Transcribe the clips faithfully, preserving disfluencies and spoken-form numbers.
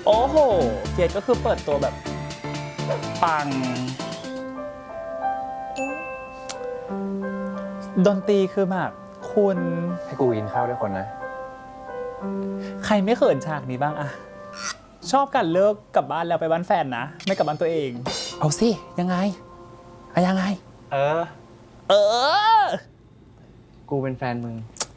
โอ้โหเฟียสก็คือเปิดตัวแบบปังดนตรีคือแบบคุณให้กูกินข้าวด้วยคนนะใครไม่เขินฉากนี้บ้างอะชอบกันเลิกกลับบ้านแล้วไปบ้านแฟนนะไม่กลับบ้านตัวเองเอาสิยังไงอะยังไงเออเออกูเป็นแฟนมึง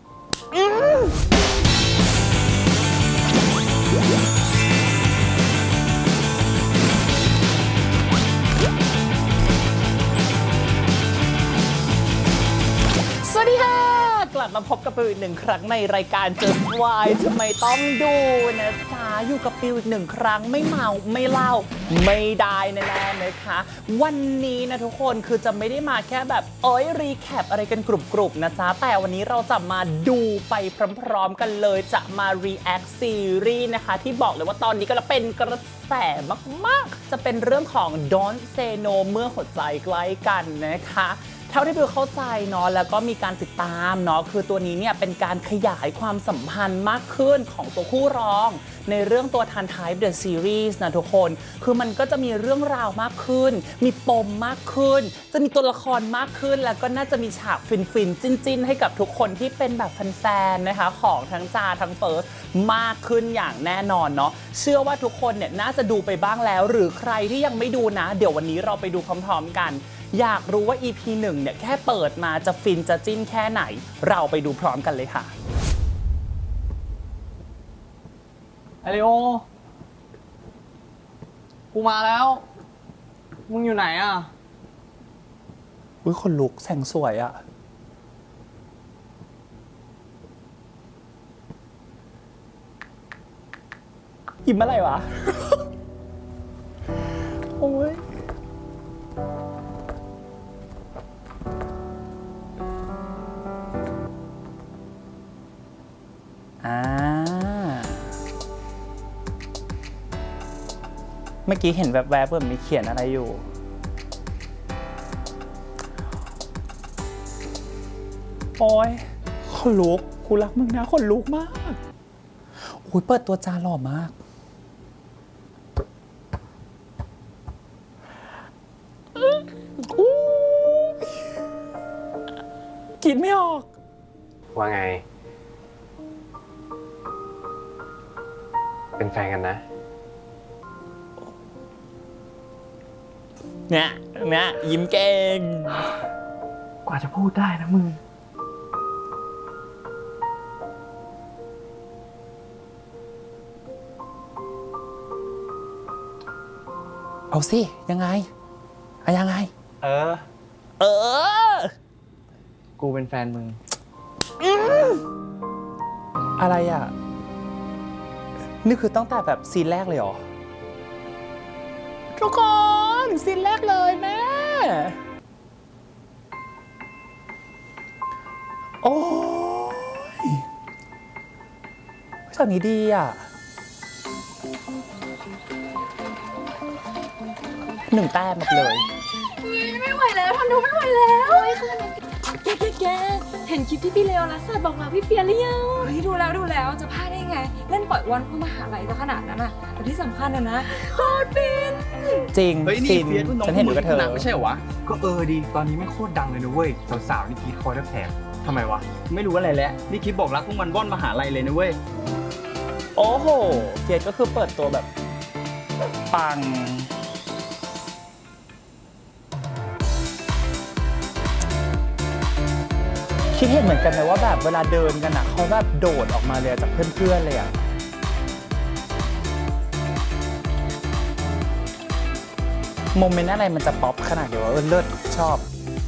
สวัสดีค่ะกลับมาพบกับปิวอีกหนึ่งครั้งในรายการ Just Why ทำไมต้องดูนะจ๊ะอยู่กับปิวอีกหนึ่งครั้งไม่เมาไม่เล่าไม่ได้แน่ๆนะคะวันนี้นะทุกคนคือจะไม่ได้มาแค่แบบเอ้ยรีแคปอะไรกันกรุบๆนะจ๊ะแต่วันนี้เราจะมาดูไปพร้อมๆกันเลยจะมา react ซีรีส์นะคะที่บอกเลยว่าตอนนี้ก็เป็นกระแสมากๆจะเป็นเรื่องของ Don't Say No เมื่อหัวใจใกล้กันนะคะเท่าที่บิวเข้าใจเนาะแล้วก็มีการติดตามเนาะคือตัวนี้เนี่ยเป็นการขยายความสัมพันธ์มากขึ้นของตัวคู่รองในเรื่องตัวทันไทป์เดอะซีรีส์นะทุกคนคือมันก็จะมีเรื่องราวมากขึ้นมีปมมากขึ้นจะมีตัวละครมากขึ้นแล้วก็น่าจะมีฉากฟินๆจิ้นๆให้กับทุกคนที่เป็นแบบแฟนๆนะคะของทั้งจาทั้งเฟิร์สมากขึ้นอย่างแน่นอนเนาะเชื่อว่าทุกคนเนี่ยน่าจะดูไปบ้างแล้วหรือใครที่ยังไม่ดูนะเดี๋ยววันนี้เราไปดูพร้อมๆกันอยากรู้ว่า อี พี หนึ่งเนี่ยแค่เปิดมาจะฟินจะจิ้นแค่ไหนเราไปดูพร้อมกันเลยค่ะไอริโอกูมาแล้วมึงอยู่ไหนอ่ะอุ้ยคนลุกแสงสวยอะยิ้มอะไรวะ โอ้ยอ่าเมื่อกี้เห็นแวบๆเหมือนมีเขียนอะไรอยู่โอ้ยขนลุกกูรักมึงนะขนลุกมากโอ้ยเปิดตัวจาหล่อมากกินไม่ออกว่าไงเป็นแฟนกันนะเนี่ยเนี่ยยิ้มเก่งกว่าจะพูดได้นะมึงเอาสิยังไงอะยังไงเออเออกูเป็นแฟนมึงอะไรอ่ะนี่คือตั้งแต่แบบซีนแรกเลยเหรอทุกคนซีนแรกเลยแม่โอ้ยฉากนี้ดีอ่ะหนึ่งแต้มหมดเลยไม่ไหวแล้วทำดูไม่ไหวแล้วแกแกแกเห็นคลิปที่พี่เลโอนัสบอกมาพี่เปียหรือยังเฮ้ยดูแล้วดูแล้วจะพลาดได้ไงเล่นปล่อยวันเพื่อมหาลัยซะขนาดนั้นอ่ะแต่ที่สำคัญนะนะโคตรฟินจริงเฮ้ยนี่เฟียสว่าน้องฉันเห็นอยู่กับเธอหนักไม่ใช่เหรอวะก็เออดีตอนนี้ไม่โคตรดังเลยนะเว้ยสาวๆนี่กรีดคอแทบแตกทำไมวะไม่รู้อะไรแล้วนี่คลิปบอกรักพวกมันว่อนมหาลัยเลยนะเว้ยโอ้โหเฟียสก็คือเปิดตัวแบบปังคิดเห็นเหมือนกันนะว่าแบบเวลาเดินกันอ่ะเขาแบบโดดออกมาเลยจากเพื่อนๆเลยอ่ะโมเมนต์อะไรมันจะป๊อปขนาดเดียวว่าเออเลิศชอบ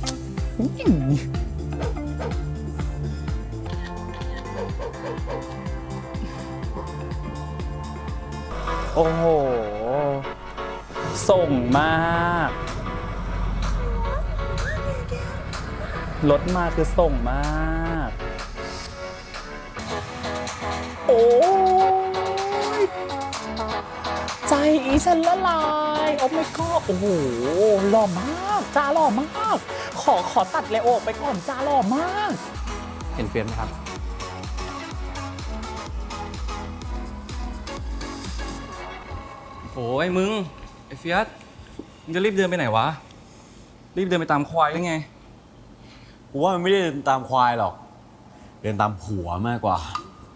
โอ้โหส่งมากรถมาคือส่งมากโอ้ยใจอีฉันละลายโอ้ไม่ก็โอ้โหหล่อมากจ้าหล่อมากขอขอตัดเลโอไปก่อนจ้าหล่อมากเห็นเฟียสไหมครับโ โอ้โห ส่งมาก ใจอีฉันละลายโอ้ my god โอ้โหหล่อมากจ้าหล่อมากขอขอตัดเลโอไปก่อนจ้าหล่อมาก เห็นเฟียสไหมครับเห็นเฟียสไหมครับโโอ้ยมึง ไอ้เฟียสมึงจะรีบเดินไปไหนวะ รีบเดินไปตามควายได้ไงกูว่ามันไม่ได้เดินตามควายหรอก เดินตามผัวมากกว่า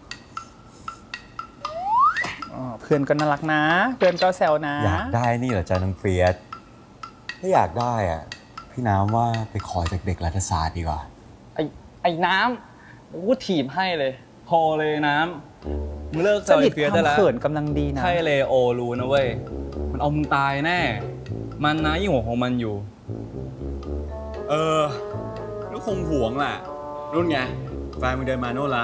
อ๋อเพื่อนก็น่ารักนะ เพื่อนก็แซวนะอยากได้นี่เหรอจ๊ะน้องเฟียสถ้าอยากได้อ่ะ พี่น้ำว่าไปขอจากเด็กรัฐศาสตร์ดีกว่าไอ้ไอ้น้ำกูถีบให้เลยพอเลยน้ำมึงเลิกสเซลนิทไอ้เฟียสควาได้มแล้วเขินกำลังดีนะใช่เลโอรู้นะเว้ย มันเอามึงตายแน่ มันนะยิ่งหัวของมันอยู่เออก็คงห่วงแหละรุ่นไงแฟนมึงเดินมาโน่นละ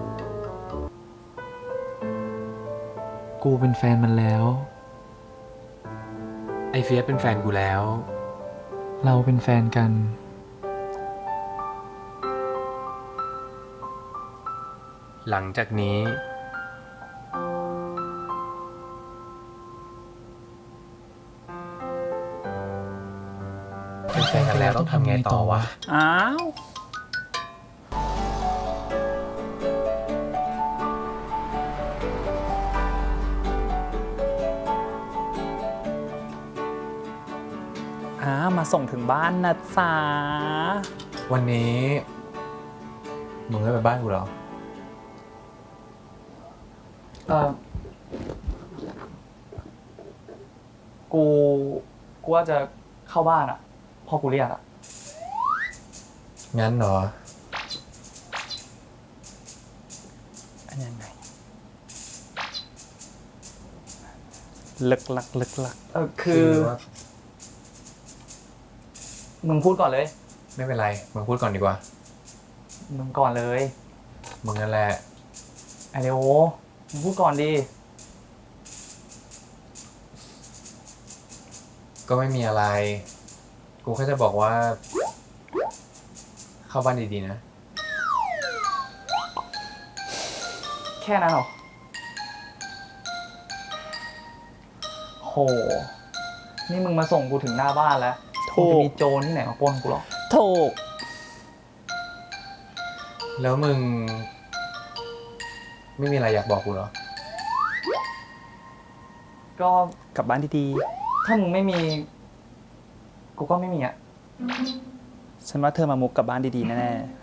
กูเป็นแฟนมันแล้ว ไอเฟียสเป็นแฟนกูแล้ว เราเป็นแฟนกัน หลังจากนี้ เป็นแฟนกันแล้วต้องทำไงต่อวะอ้าว อ่ามาส่งถึงบ้านนะจ๊ะวันนี้มึงไม่ไปบ้านกูเหรอเออกู กูว่าจะเข้าบ้านอ่ะ พอกูเรียกอ่ะงั้นเหรออันยังไงลึกลักลึกลักเออคือว่ามึงพูดก่อนเลยไม่เป็นไร มึงพูดก่อนดีกว่ามึงก่อนเลยมึงนั่นแหละไอเดโอมึงพูดก่อนดีก็ไม่มีอะไร กูแค่จะบอกว่า เข้าบ้านดีๆนะแค่นั้นเหรอ โห นี่มึงมาส่งกูถึงหน้าบ้านแล้วถูมึงจะกมีโจรที่ไหนมาปล้นกูหรอถูกแล้วมึง ไม่มีอะไรอยากบอกกูเหรอก็กลับบ้านดีถ้ามึงไม่มี กูก็ไม่มีอ่ะๆ ฉันว่าเธอมามุกกลับบ้านดีๆ แน่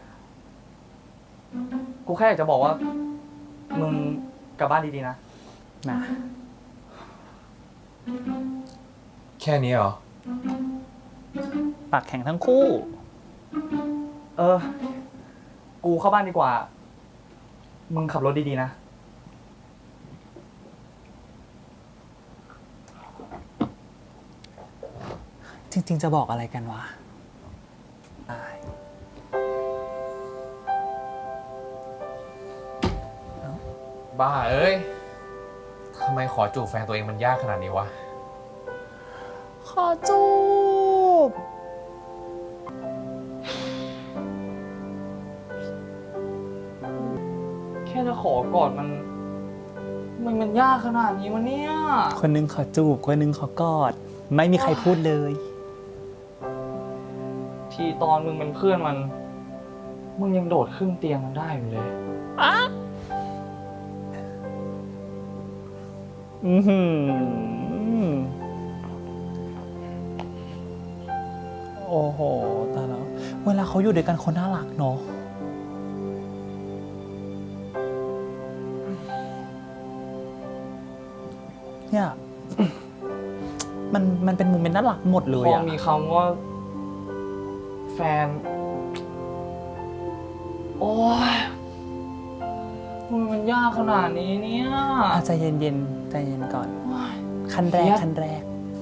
กูแค่อยากจะบอกว่า มึงกลับบ้านดีๆนะๆ นะแค่นี้เหรอปากแข็งทั้งคู่เออ กูเข้าบ้านดีกว่า มึงขับรถดีๆนะจริงๆ จะบอกอะไรกันวะอายบ้าเอ้ย ทำไมขอจูบแฟนตัวเองมันยากขนาดนี้วะขอจูบแค่จะขอกอดมัน มันมันยากขนาดนี้วะเนี่ยคนหนึงขอจูบ คนหนึงขอกอด ไม่มีใครพูดเลยทีตอนมึงเป็นเพื่อนมัน มึงยังโดดขึ้นเตียงมันได้อยู่เลยอะอือหือโอ้โหตายแล้ว เวลาเขาอยู่ด้วยกันเขาน่ารักเนาะ เนี่ย มัน มันเป็นโมเมนต์น่ารักหมดเลยพออะมีคำว่า แฟน โอ้ยมันมันยากขนาดนี้เนี่ยอ่ะใจเย็นๆ ใจเย็นก่อน ขั้นแรกเนี่ยขั้นแรก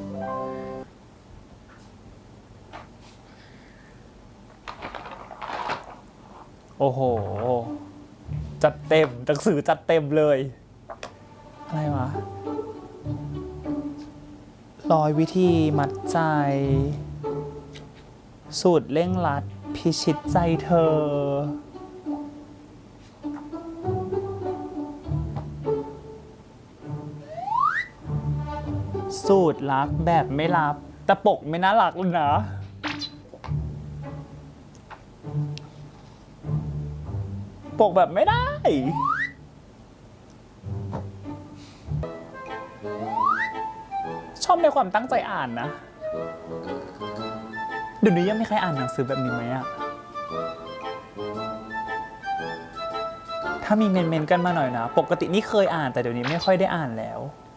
โอ้โห จัดเต็มหนังสือจัดเต็มเลย อะไรวะ ร้อยวิธีมัดใจ สูตรเร่งรัด พิชิตใจเธอ สูตรรักแบบไม่รับ แต่ปกไม่น่ารักเลยนะ ปกแบบไม่ได้เมในความตั้งใจอ่านนะ เดี๋ยวนี้ยังมีใครอ่านหนังสือแบบนี้ไหมอะถ้ามีเมนๆกันมาหน่อยนะ ปกตินี่เคยอ่านแต่เดี๋ยวนี้ไม่ค่อยได้อ่านแล้ว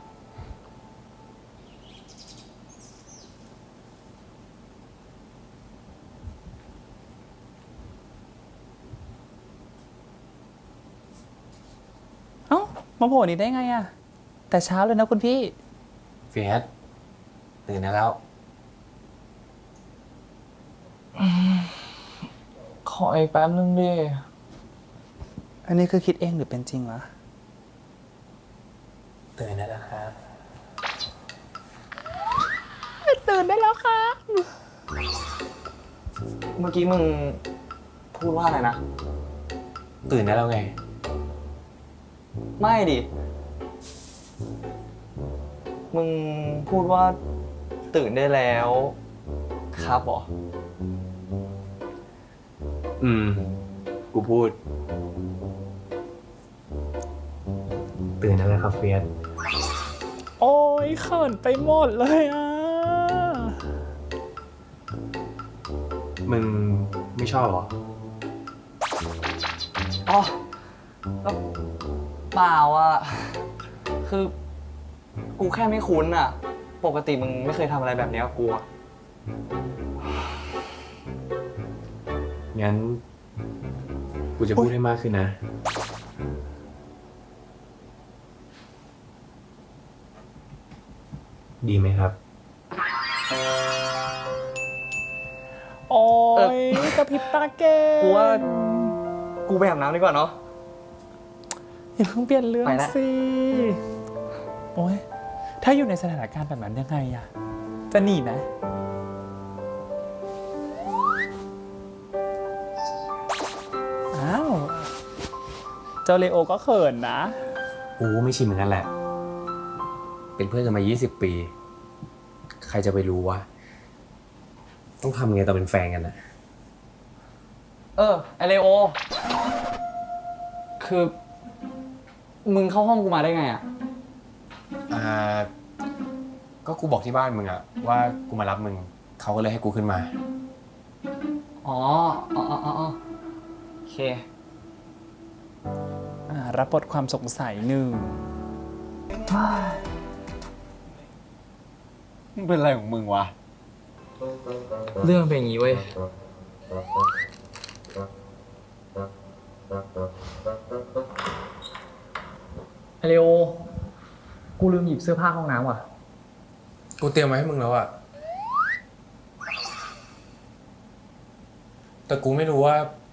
เอ้า มาโผล่นี่ได้ไงอะแต่เช้าเลยนะคุณพี่เฟียสตื่นได้แล้วขออีกแป๊บนึงดิอันนี้คือคิดเองหรือเป็นจริงวะตื่นได้แล้วครับตื่นได้แล้วค่ะเมื่อกี้มึงพูดว่าอะไรนะตื่นได้แล้วไงไม่ดิ มึงพูดว่าตื่นได้แล้ว ครับเหรออืม กูพูด ตื่นได้แล้วครับเฟียสโอ้ยเขินไปหมดเลยอ่ะมึงไม่ชอบเหรออ๋อก็เปล่าอ่ะ คือ กูแค่ไม่คุ้นอ่ะ ปกติมึงไม่เคยทำอะไรแบบนี้กับกูอ่ะงั้น กูจะพูดให้มากขึ้นนะ ดีไหมครับโอ้ยกระพริบตาเก่งกูว่า กูไปอาบน้ำดีกว่าเนาะอย่าเพิ่งเปลี่ยนเรื่องไปละสิ โอ้ยถ้าอยู่ในสถานการณ์แบบนั้นยังไงอะจะหนีไหมอ้าว เจ้าเลโอก็เขินนะกูไม่ชินเหมือนกันแหละ เป็นเพื่อนกันมา ยี่สิบ ปี ใครจะไปรู้วะ ต้องทำไงตอนเป็นแฟนกันนะเออ ไอเลโอ คือ มึงเข้าห้องกูมาได้ไงอ่ะอ่า ก็กูบอกที่บ้านมึงอะว่ากูมารับมึง เขาก็เลยให้กูขึ้นมาอ๋อ อ๋ออ๋ออ๋อโอเคอ่า รับบทความสงสัยหนึ่งมึงเป็นอะไรของมึงวะเรื่องเป็นอย่างนี้เว้ย ไอเลโอ กูลืมหยิบเสื้อผ้าห้องน้ำว่ะกูเตรียมไว้ให้มึงแล้วอะแต่กูไม่รู้ว่า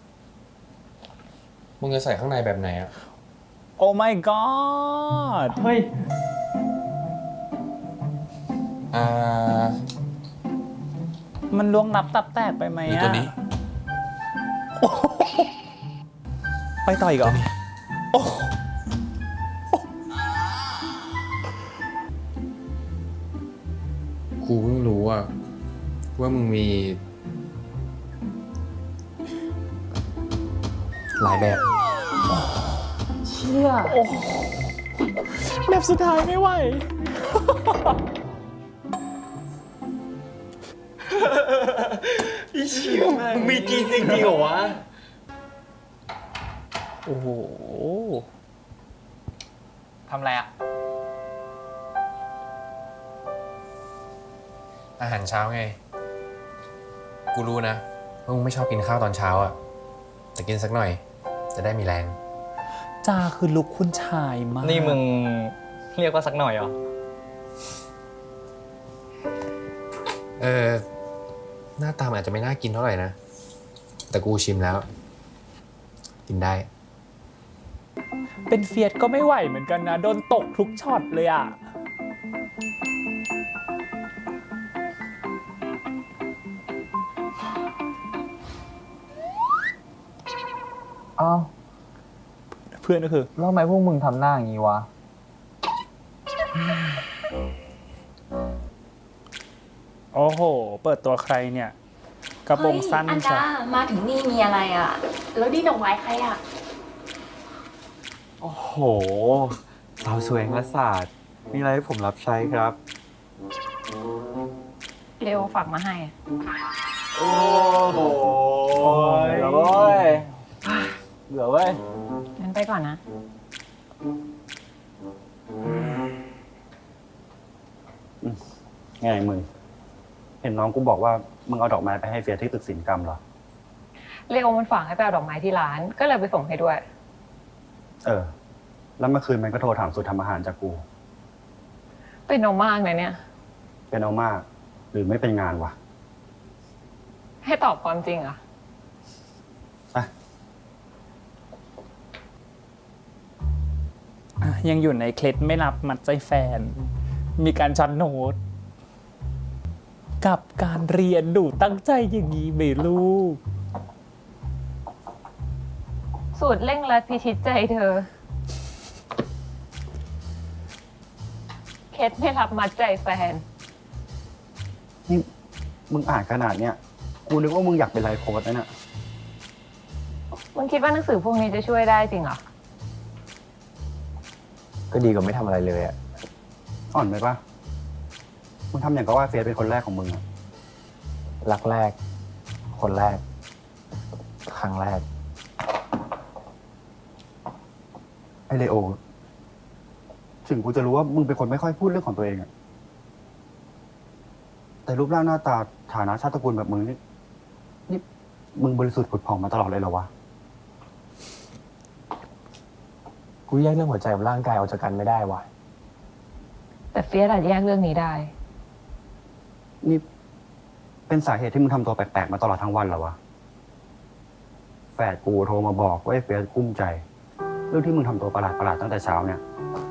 มึงจะใส่ข้างในแบบไหนอะโอ้ my god เฮ้ยอ่ามันล่วงนับตับแตกไปไหมหรืออะตัวนี้ไปต่ออีกเหรอโอ้กูเพิ่งรู้อะว่ามึงมี หลายแบบเชี่ยแบบสุดท้ายไม่ไหวมึงมีจีจริงจริงเหรอวะโอ้โหทำอะไรอ่ะอาหารเช้าไง กูรู้นะว่ามึงไม่ชอบกินข้าวตอนเช้าอะแต่กินสักหน่อย จะได้มีแรงจ้าคือลุกคุณชายมากนี่มึงเรียกว่าสักหน่อยเหรอเออ หน้าตามันอาจจะไม่น่ากินเท่าไหร่นะ แต่กูชิมแล้ว กินได้เป็นเฟียสก็ไม่ไหวเหมือนกันนะ โดนตกทุกช็อตเลยอ่ะอ้าวเพื่อนก็คือแล้วทำไมพวกมึงทำหน้าอย่างนี้วะโอ้โห เปิดตัวใครเนี่ย กระโปรงสั้นเฮ้ยอันจ้ะดามาถึงนี่มีอะไรอ่ะ แล้วดีดอกไม้ใครอ่ะโอ้โห สาวสวยแห่งรัฐศาสตร์ มีอะไรให้ผมรับใช้ครับเร็วฝากมาให้โอ้โหเหลือเว้ยเหลือเว้ยงั้นไปก่อนนะไงมึง เห็นน้องกูบอกว่ามึงเอาดอกไม้ไปให้เฟียที่ตึกศิลปกรรมเหรอเร็วมันฝากให้ไปเอาดอกไม้ที่ร้าน ก็เลยไปส่งให้ด้วยเออ แล้วเมื่อคืนมันก็โทรถามสูตรทำอาหารจากกูเป็นเอามากเลยเนี่ยเป็นเอามาก หรือไม่เป็นงานวะให้ตอบความจริงเหรอะอ่ะอ่ะยังอยู่ในเคล็ดไม่รับมัดใจแฟน มีการช็อตโน้ต กับการเรียนดูตั้งใจอย่างนี้ไหมลูกสูตรเร่งรัดพิชิตใจเธอ เคสไม่รับมัดใจแฟนนี่มึงอ่านขนาดเนี้ย กูนึกว่ามึงอยากเป็นไลฟ์โค้ชนะเนี่ยมึงคิดว่าหนังสือพวกนี้จะช่วยได้จริงเหรอก็ดีกว่าไม่ทำอะไรเลยอะอ่อนไปปะมึงทำอย่างกับว่าเฟียเป็นคนแรกของมึงอะรักแรก คนแรก ครั้งแรกไอเลโอ ถึงกูจะรู้ว่ามึงเป็นคนไม่ค่อยพูดเรื่องของตัวเองอะแต่รูปร่างหน้าตาฐานะชาติตระกูลแบบมึงนี่ นี่มึงบริสุทธิ์ผุดผ่องมาตลอดเลยเหรอวะกูแยกเรื่องหัวใจกับร่างกายออกจากกันไม่ได้วะแต่เฟียสอาจแยกเรื่องนี้ได้นี่เป็นสาเหตุที่มึงทำตัวแปลกๆมาตลอดทั้งวันเหรอวะ แฝดกูโทรมาบอกว่าไอ้เฟียสกุ้มใจ เรื่องที่มึงทำตัวประหลาดๆตั้งแต่เช้าเนี่ย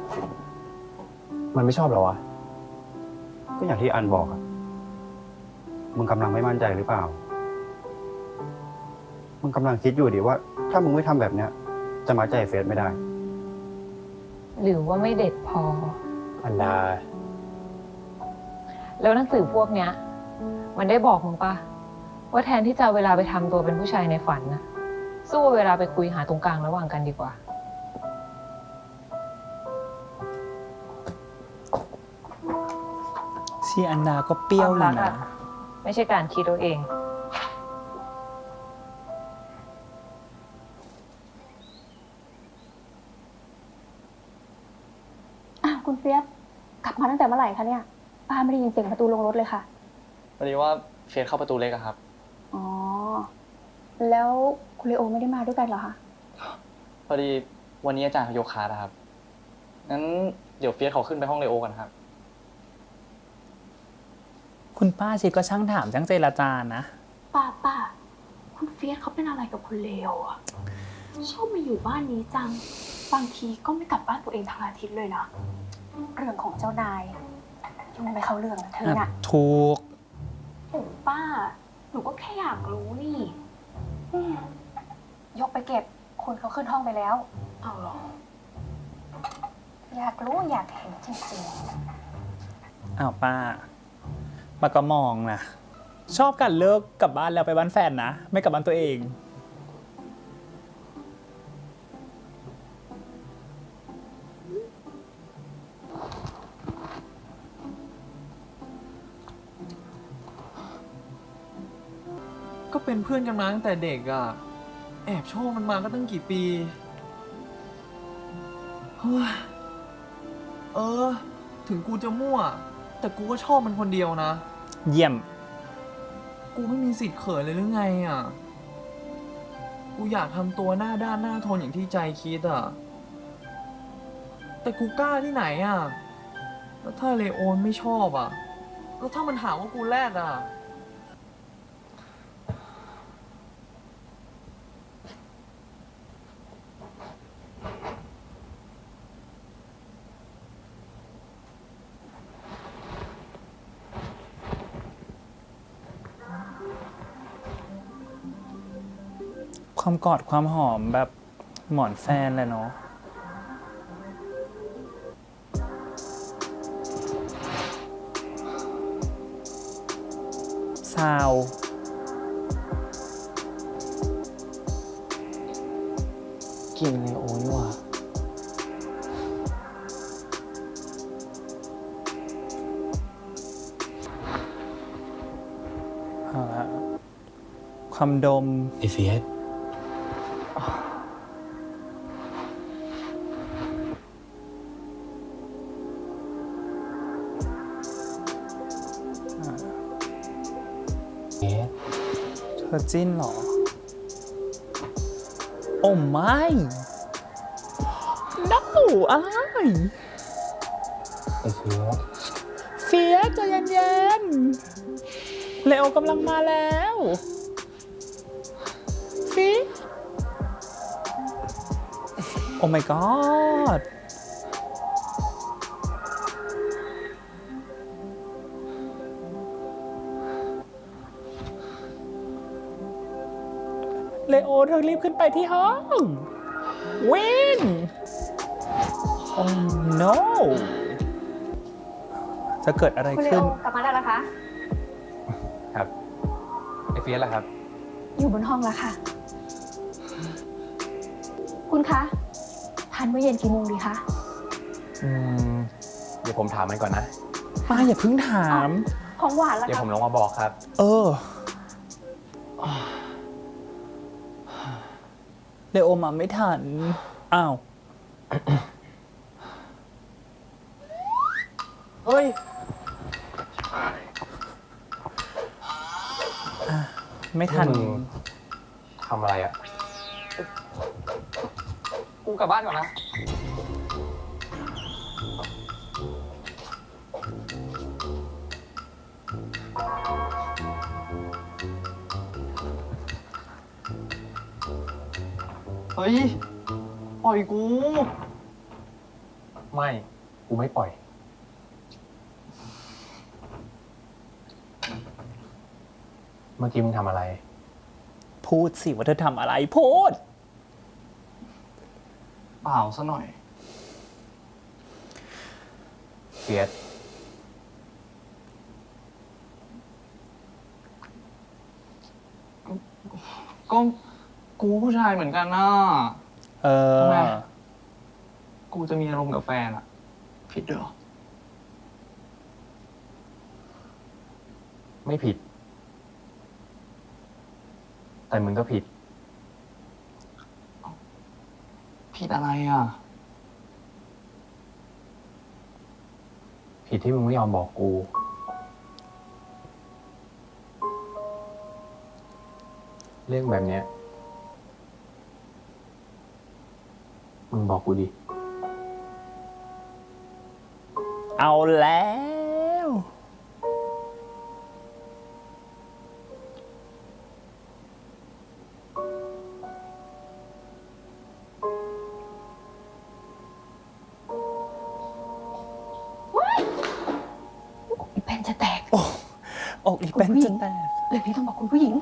มันไม่ชอบเหรอวะก็อย่างที่อันบอกอะมึงกำลังไม่มั่นใจหรือเปล่า มึงกำลังคิดอยู่ดิว่า ถ้ามึงไม่ทำแบบเนี้ย จะมาใจเฟซไม่ได้หรือว่าไม่เด็ดพออันดาแล้วหนังสือพวกเนี้ย มันได้บอกมึงปะว่าแทนที่จะเอาเวลาไปทำตัวเป็นผู้ชายในฝันนะสู้เวลาไปคุยหาตรงกลางระหว่างกันดีกว่าชีอันดาก็เปรี้ยวเลยนะไม่ใช่การคิดเอาเองอ้าวคุณเฟียสกลับมาตั้งแต่เมื่อไหร่คะเนี่ยป้าไม่ได้ยินเสียงประตูลงรถเลยค่ะพอดีว่าเฟียสเข้าประตูเล็กอะครับอ๋อ แล้วคุณเลโอไม่ได้มาด้วยกันเหรอคะพอดีวันนี้อาจารย์เขาโยกคลาสอะครับ งั้นเดี๋ยวเฟียสเขาขึ้นไปห้องเลโอกันครับคุณป้าชีก็ช่างถามช่างเจรจานะป้าป้าคุณเฟียสเขาเป็นอะไรกับคุณเลโออะชอบมาอยู่บ้านนี้จัง บางทีก็ไม่กลับบ้านตัวเองทั้งอาทิตย์เลยนะเรื่องของเจ้านายยุ่งไม่เข้าเรื่องนะเธอน่ะถูกโอ้ป้า หนูก็แค่อยากรู้นี่อืมยกไปเก็บ คนเขาขึ้นห้องไปแล้ว เอาหรอ อยากรู้อยากเห็นจริงๆอ้าวป้าป้าก็มองนะ ชอบกันเลิกกลับบ้านแล้วไปบ้านแฟนนะ ไม่กลับบ้านตัวเองก็เป็นเพื่อนกันมาตั้งแต่เด็กอะแอบชอบมันมาก็ตั้งกี่ปีเฮ้ยเออ ถึงกูจะมั่ว แต่กูก็ชอบมันคนเดียวนะเยี่ยมกูไม่มีสิทธิ์เขินเลยหรือไงอะกูอยากทำตัวหน้าด้านหน้าทนอย่างที่ใจคิดอะแต่กูกล้าที่ไหนอะแล้วถ้าเลโอนไม่ชอบอะแล้วถ้ามันหาว่ากูแรดอะความกอดความหอมแบบหมอนแฟนเลยเนาะ ซาวกินเลโอนี่หว่าอ่าความดมไอเฟียส เฟียสเธอจิ้นเหรอ โอ้ไม่ no อะไรไอเฟียสเฟียสใจเย็นๆเลโอกำลังมาแล้วฟีโอ้ my god เลโอเธอรีบขึ้นไปที่ห้อง วิน โอ้ no จะเกิดอะไรคุณเลขึ้โอน กลับมาแล้วเหรอคะครับ ไอเฟียสล่ะครับอยู่บนห้องแล้วค่ะ คุณคะ ทานมื้อเย็นกี่โมงดีคะอืม เดี๋ยวผมถามมันก่อนนะป้าอย่าเพิ่งถามของหวานแล้วเดี๋ยวคะผมลงมาบอกครับเออ เลโอมาไม่ทัน อ้าวเฮ้ยไม่ทันมึง ทำอะไรอ่ะกูกลับบ้านก่อนนะ เฮ้ย ปล่อยกูไม่ กูไม่ปล่อย เมื่อกี้มึงทำอะไรพูดสิว่าเธอทำอะไร พูดเปล่าซะหน่อยเฟียสก็กูผู้ชายเหมือนกันนะเออทำไม กูจะมีอารมณ์กับแฟนอะผิดด้วยเหรอไม่ผิด แต่มึงก็ผิดผิดอะไรอ่ะผิดที่มึงไม่ยอมบอกกู เรื่องแบบเนี้ย มึงบอกกูดิเอาแล้วอีแผ่นจะแตกโอ้อกอีเป็นจนแตกเลยพี่ต้องบอกคุณผู้หญิง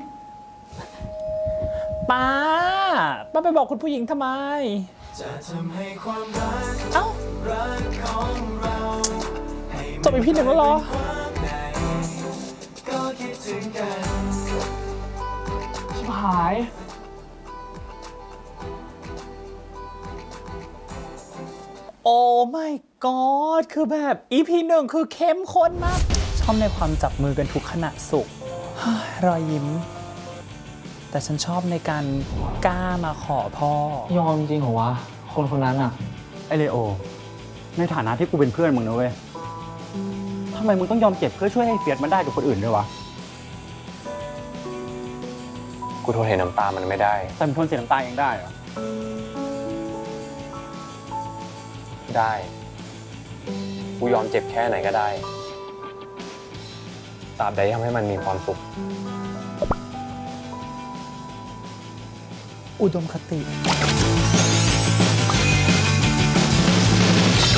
ป้า ป้าไปบอกคุณผู้หญิงทำไม เอ้าจบอีพีหนึ่งแล้วเหรอชิบหายโอ้ my god คือแบบ อี พี หนึ่งคือเข้มข้นมาก ชอบในความจับมือกันทุกขณะสุข รอยยิ้ม แต่ฉันชอบในการกล้ามาขอพ่อยอมจริงเหรอวะ คนคนนั้นอ่ะไอเลโอ ในฐานะที่กูเป็นเพื่อนมึงนะเว้ยทำไมมึงต้องยอมเจ็บเพื่อช่วยให้เฟียสมันได้กับคนอื่นด้วยวะกูทนเห็นน้ำตามันไม่ได้แต่มึงทนเสียน้ำตาเองได้เหรอได้ กูยอมเจ็บแค่ไหนก็ได้ ตราบใดที่ทำให้มันมีความสุขอุดมคติ